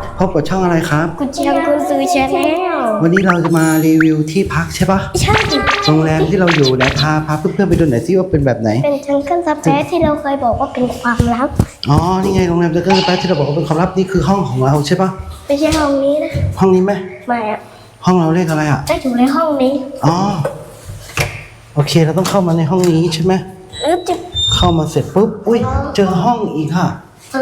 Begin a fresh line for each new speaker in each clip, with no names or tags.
พบกับช่องอะไรครับ
กุญเชียงกุญซือชาแนล
วันนี้เราจะมารีวิวที่พักใช่ปะ
ใช่
โรงแรมที่เราอยู่นะพาเพื่อนๆไปดูหน่อยซิว่าเป็นแบบไหน
เป็นจังเกิลซับแท้ที่เราเคยบอกว่าเป็นความลับ
อ๋อนี่ไงโรงแรมจังเกิลสเปซที่เราบอกว่าเป็นความลับนี่คือห้องของเราใช่ปะ
ไม่ใช่ห้องนี้นะ
ห้องนี้ไหม
ไม่อะ
ห้องเราเลขอะไรอ่ะ
ได้อยู่ในห้องนี้
อ๋อโอเคเราต้องเข้ามาในห้องนี้ใช่ไหม
จะ
เข้ามาเสร็จปุ๊บอุ้ยเจอห้องอีกค่ะ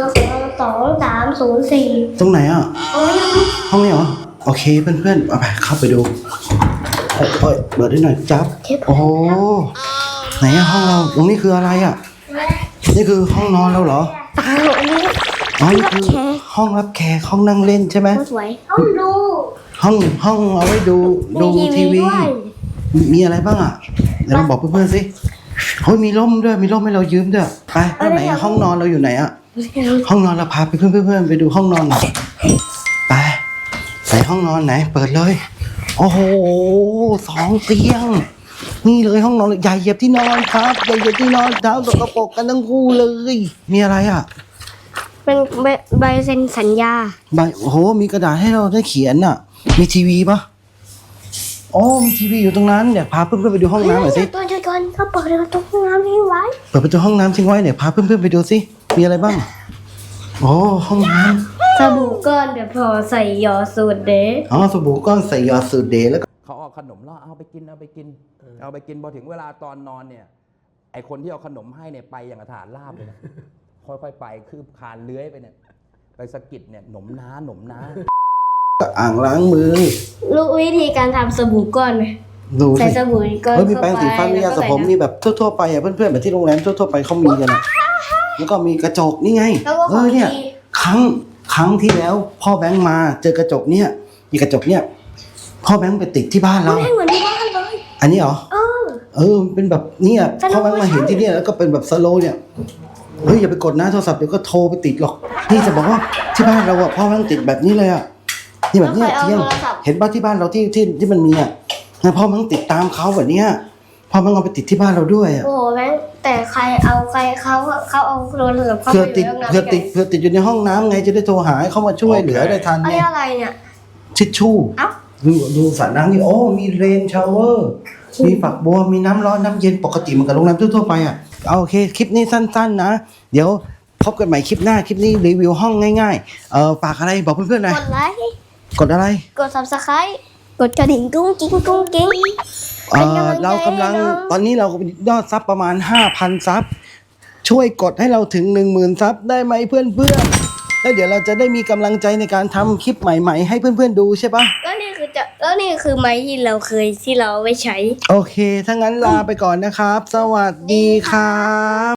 23004
ตรงไหนอ่ะ
โอ้ย
ห้องนี้เหรอโอเคเพื่อนๆเอาไปเข้าไปดูเอ้ยเปิดได้หน่อยจับโอ้โหไหนอะห้องเราตรงนี้คืออะไรอ่ะนี่คือห้องนอนเราเหรอ
ตาหนูนี่
อ๋อนี่คือห้องรับแขกห้องนั่งเล่นใช่ไหม
สวยห้องดู
ห้องเอาไว้ดูทีวี
ด้วย
มีอะไรบ้างอ่ะเดี๋ยวเราบอกเพื่อนๆสิเฮ้ยมีร่มด้วยมีร่มให้เรายืมด้วยไปแล้วไหนอะห้องนอนเราอยู่ไหนอ่ะห้องนอนเราพาไปเพื่อนๆไปดูห้องนอนหน่อยไปห้องนอนไหนเปิดเลยโอ้โห2 เตียงนี่เลยห้องนอนใหญ่เหยียบที่นอนครับใหญ่เหยียบที่นอนเท้าสกปรกกันทั้งคู่เลยมีอะไรอ่ะ
เป็นใบเซ็นสัญญา
โอ้โหมีกระดาษให้เราได้เขียนอ่ะมีทีวีปะโอ้มีทีวีอยู่ตรงนั้นเดี๋ยวพาเพื่อนๆไปดูห้องน้ำหน่อยสิ
ตัวจุดก่อนเขาเปิดประตูห้องน้ำนี้ไว้
เปิดประตูห้องน้ำทิ้งไว้เดี๋ยวพาเพื่อนๆไปดูสิมีอะไรบ้างโอ้ห้องน้ำ
สบู่ก้อนเดี๋ยวพอใส่ยอสูตรเด้
อ๋อสบู่ก้อนใส่ยอสูตรเดย์แล้วก็
เขาเอาขนมแล้วเอาไปกินพอถึงเวลาตอนนอนเนี่ยไอคนที่เอาขนมให้เนี่ยไปอย่างกระถานลาบเลยนะ ค่อยๆไปคืบคานเลื้อยไปเนี่ยไปสะกิดเนี่ยหนมน้า
อ่างล้างมือ
รู้วิธีการทำสบู่ก้อนไหม
ดู
ใส่
สิ
สบู่ก้อน
เฮ้ยมี
เข้า
แปรงสีฟันมียาสระผมมีแบบทั่วๆไปอ่ะเพื่อนๆแบบที่โรงแรมทั่วๆไปเขามีกันอ่ะแล้วก็มีกระจกนี่ไง
แล้วก็ของ
เนี่ย
ดี
ครั้งที่แล้วพ่อแบงค์มาเจอกระจกเนี่ยมีกระจกเนี่ยพ่อแบงค์ไปติดที่บ้านเรา
ไม่เหมือนที่บ้านเลย
อันนี้เหรอ
เออ
มันเป็นแบบเนี่ย
สโลว์
พ่อแบงค์มาเห็นที่เนี่ยแล้วก็เป็นแบบสโลว์เนี่ยเฮ้ยอย่าไปกดนะโทรศัพท์เดี๋ยวก็โทรไปติดหรอกนี่จะบอกว่าที่บ้านเราอะพ่อแบงค์ติดแบบนี้เลยอะนี่แบบเนี้ย
แล้วใครเอา
เที่ยง
โทรศัพท์
เห็นบ้านที่บ้านเราที่มันมีอะงั้นพ่อแบงค์ติดตามเขาแบบเนี้ยพ่อแบงค์เอาไปติดที่บ้านเราด้วยอะ
โอ้โหแม่งแต่ใครเอาเขาเอาโทรศัพท์เข้า
เพื่อ
ไป
ติด
ในห้องน้ำ
เพื่อติดอยู่ในห้องน้ำไงจะได้โทรหาให้เขามาช่วยเหลือได้ทัน
ไอ้
ไง
อะไรเนี่ย
ทิชชู่
เอ้า
ดูสระน้ำนี่โอ้มีเรนชาวเวอร์มีฝักบัวมีน้ำร้อนน้ำเย็นปกติเหมือนกับโรงแรมทั่วๆไปอะเอาโอเคคลิปนี้สั้นๆนะเดี๋ยวพบกันใหม่คลิปหน้าคลิปนี้รีวิวห้องง่ายๆฝากอะไรบอกเพื่อนๆหน่อย
กดไลค์
กดอะไร
กด subscribe กดกระดิ่งกุ้งกิ้งเป็นกำลังใจ
เรากำลัง
ให้น้อง
ตอนนี้เรายอดซับประมาณ 5,000 ซับช่วยกดให้เราถึง 10,000 ซับได้ไหมเพื่อนๆแล้วเดี๋ยวเราจะได้มีกำลังใจในการทำคลิปใหม่ๆ ให้เพื่อนๆดูใช่ปะ
ก็นี่คือไม้ที่เราไว้ใช้
โอเคถ้างั้นลาไปก่อนนะครับ สวัสดีครับ